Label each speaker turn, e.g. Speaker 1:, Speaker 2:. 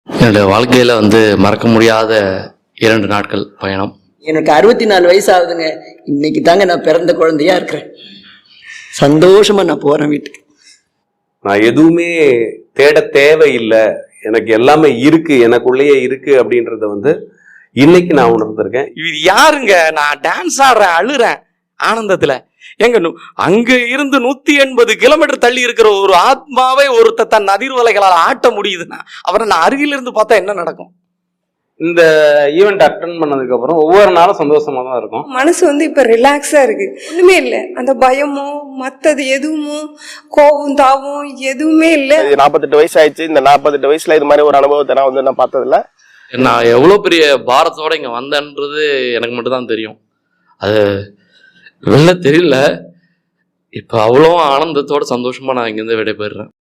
Speaker 1: என்னுடைய வாழ்க்கையில் மறக்க முடியாத 2 நாட்கள் பயணம்.
Speaker 2: எனக்கு 64 வயசு ஆகுதுங்க. இன்னைக்கு தாங்க நான் பிறந்த குழந்தையா இருக்கிறேன். சந்தோஷமா நான் போறேன் வீட்டுக்கு.
Speaker 3: நான் எதுவுமே தேட தேவையில்லை, எனக்கு எல்லாமே இருக்கு, எனக்குள்ளேயே இருக்கு அப்படின்றத இன்னைக்கு நான் உணர்ந்திருக்கேன்.
Speaker 4: இது யாருங்க? நான் டான்ஸ் ஆடுறேன், அழுறேன் ஆனந்தத்துல. எங்க அங்க இருந்து 180 கிலோமீட்டர் தள்ளி இருக்கிற ஒரு ஆத்மாவை ஒருத்த தன் அதிர்வலைகளால் ஆட்ட முடியுதுன்னா அவரை நான் அருகில இருந்து பார்த்தா என்ன நடக்கும்?
Speaker 3: இந்த ஈவெண்ட் அட்டன் பண்ணதுக்கு அப்புறம் ஒவ்வொரு நாளும் சந்தோஷமா தான் இருக்கும்.
Speaker 5: மனசு இப்ப ரிலாக்ஸா இருக்கு. ஒண்ணுமே இல்லை, அந்த பயமோ மத்தது எதுவுமோ கோபம் தாவும் எதுவுமே இல்லை.
Speaker 6: 48 வயசு ஆயிடுச்சு. இந்த 48 வயசுல இது மாதிரி ஒரு அனுபவத்தை நான் பார்த்ததில்ல.
Speaker 1: நான் எவ்வளோ பெரிய பாரத்தோட இங்கே வந்தேன்றது எனக்கு மட்டும்தான் தெரியும். அது வெளில தெரியல. இப்போ அவ்வளோ ஆனந்தத்தோட சந்தோஷமா நான் இங்கேருந்து விடைபெறுறேன்.